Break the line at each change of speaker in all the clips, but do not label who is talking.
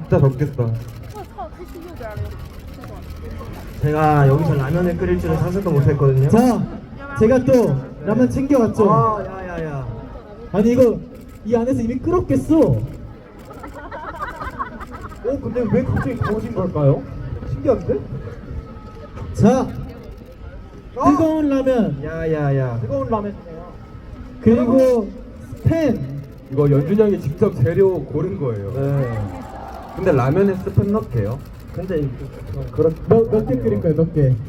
진짜 덥겠다.
제가 여기서 라면을 끓일 줄은 상상도 못했거든요.
자, 제가 또 라면 챙겨왔죠.
아, 야야야.
아니 이거 이 안에서 이미 끓었겠어.
근데 왜 갑자기 더워진 걸까요? 신기한데?
자, 뜨거운 라면
야야야. 뜨거운 라면이네요.
그리고 스팸.
이거 연준이 형이 직접 재료 고른 거예요.
네.
근데 라면에 스팸 넣게요?
근데 그렇.
몇 개 끓일 거예요? 몇 개?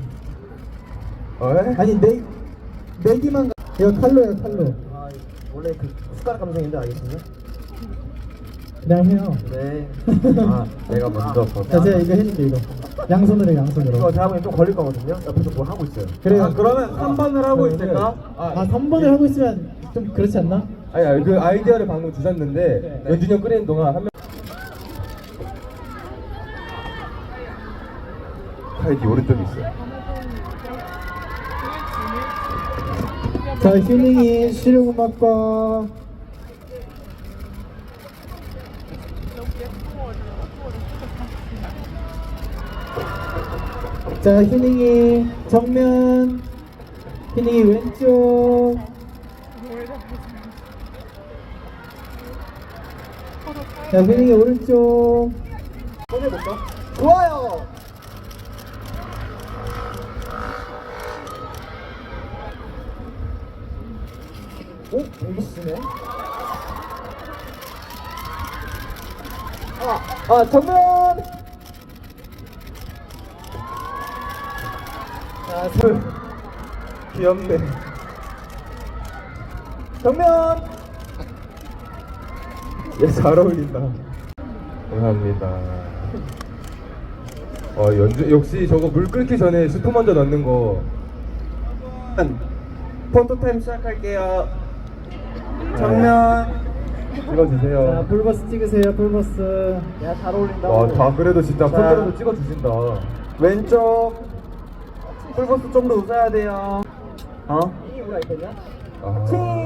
아니 네 개만. 이거 칼로예요, 칼로.
아, 원래 그 숟가락 감성인데 알겠습니다.
그냥 해요.
네.
아, 내가 먼저
자, 제가 이거 해줄게 이거. 양손으로
이거
양손으로.
다음에 좀 걸릴 거거든요. 옆에서 뭐 하고 있어요.
그래요.
그러면 3번을 하고 있을까?
아 3번을 하고 있으면 좀 그렇지 않나?
아니 그 아이디어를 방금 주셨는데
네.
연준이 형 끓이는 동안 한 명. 카이디 오른쪽에 있어요.
자, 휴닝이 실용음악과 자, 휴닝이 정면, 휴닝이 왼쪽. 자, 휴닝이 오른쪽.
꺼내볼까? 좋아요. 오, 되게 쓰네. 정면.
귀엽네.
정면.
얘 잘 어울린다. 감사합니다. 연주 역시 저거 물 끓기 전에 스프 먼저 넣는 거.
폰토타임 시작할게요. 정면.
찍어주세요.
자, 풀버스 찍으세요, 풀버스.
야, 잘 어울린다.
와, 다 그래도 진짜
자.
폰트로도 찍어주신다.
왼쪽. 풀버스 좀 더 웃어야 돼요. 이 뭐가 있겠냐?
아.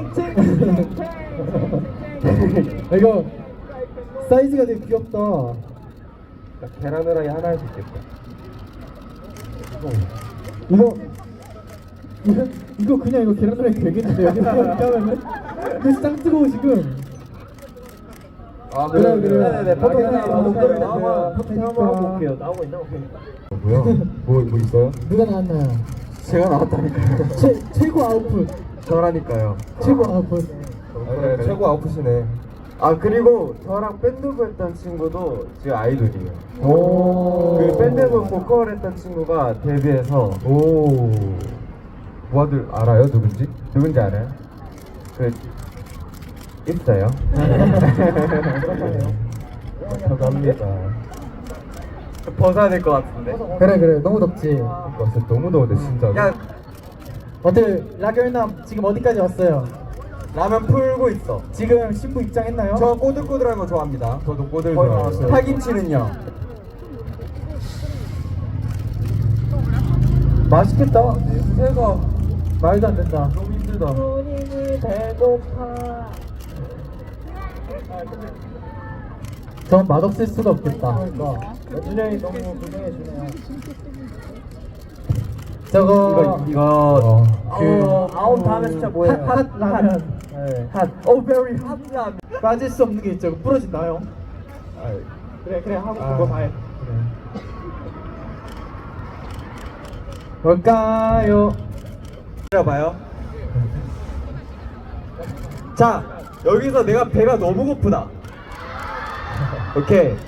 이거 사이즈가 되게 귀엽다.
계란 후라이 하나 할 수 있겠다.
이거 그냥 이거 계란 후라이 되겠는데 여기 하면은 이거 짱 뜨거워 지금.
아,
그래.
네네네. 포토
락앤
타임
하우스
한번
밴드.
한번 하고 올게요. 나오고 있나? 오케이.
뭐야? 뭐 있어요?
누가 나왔나요?
제가 나왔다니까요.
최고 아웃풋.
저라니까요.
최고 아웃풋.
네, 최고 아웃풋이네.
아, 그리고 저랑 밴드부 했던 친구도 지금 아이돌이에요.
오.
그 밴드부 보컬 했던 친구가 데뷔해서
오. 부하들 알아요? 누군지? 누군지 알아요? 그 있어요. 감사합니다.
벗어야 될 것 같은데.
그래 너무 덥지.
와, 진짜 너무 더운데 진짜.
야,
어때 라결남 지금 어디까지 왔어요?
라면 풀고 있어.
지금 신부 입장했나요?
저 꼬들꼬들한 거 좋아합니다.
저도 꼬들
거의
좋아해요.
나왔어요. 파김치는요?
맛있겠다.
새가
말도 안 된다.
너무 힘들다.
본인이 배고파. 전 맛없을 수가 없겠다.
준영이 너무 고생해주네요.
저거
이거
아홉 다음에 진짜 뭐예요?
핫 라면.
네. 핫. 오, very 핫 라면.
빠질 수 없는 게 있죠. 부러진다요. 그래 하고 그거 다 해. 뭘까요?
기다려봐요. 자, 여기서 내가 배가 너무 고프다. 오케이.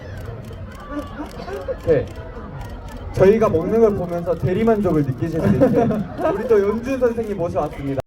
저희가 먹는 걸 보면서 대리만족을 느끼실 수 있게 우리 또 연준 선생님 모셔왔습니다.